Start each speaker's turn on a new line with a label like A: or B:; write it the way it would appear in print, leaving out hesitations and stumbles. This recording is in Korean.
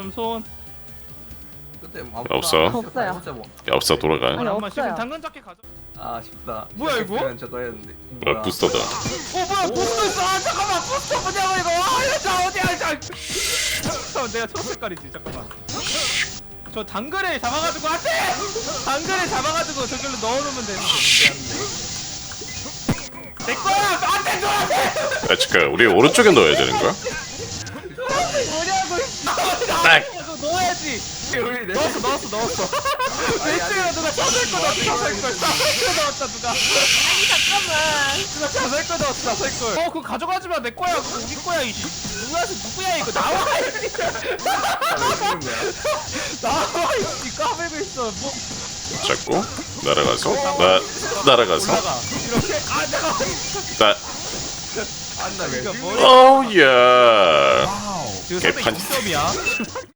A: 손.
B: 없어.
C: 없어요.
B: 없어 돌아가.
C: 아니,
A: 엄마 지금
C: 없어요.
A: 당근 잡기 가져.
D: 아쉽다.
A: 뭐야, 이거?
D: 시작했으면 저거 했는데.
B: 뭐야 부스터다.
A: 뭐야 부스터 있어. 아 잠깐만 부스터 뭐냐고 이거. 자 어디야 자. 잠깐만 내가 초록 색깔이지 잠깐만. 저 당근에 잡아가지고 안돼. 당근에 잡아가지고 저기로 넣어놓으면 되는 내 거야 안돼 줘안돼.
B: 야 잠깐 우리 오른쪽에 넣어야 되는 거야?
A: 뭐냐고.
B: 딱.
A: 넣어야지.
D: 우리 내
A: 넣었어. 왼쪽에 누가 자살 거 넣었어. 자살 거 넣었다 누가.
C: 아니 잠깐만.
A: 누가 자살 거 넣었어. 자살 거. 그거 가져가지 마. 내 거야. 그거 우리 거야 이. 누구야 이거 나와 이씨. 나와 이씨 까불고 있어. 뭐
B: 잡고 날아가서 날아가서
A: 올라가. 이렇게 아 내가.
B: 나
D: 안나 왜?
A: 그러니까 머리.
B: 오야
A: 지금
B: 개판.
A: 306점이야.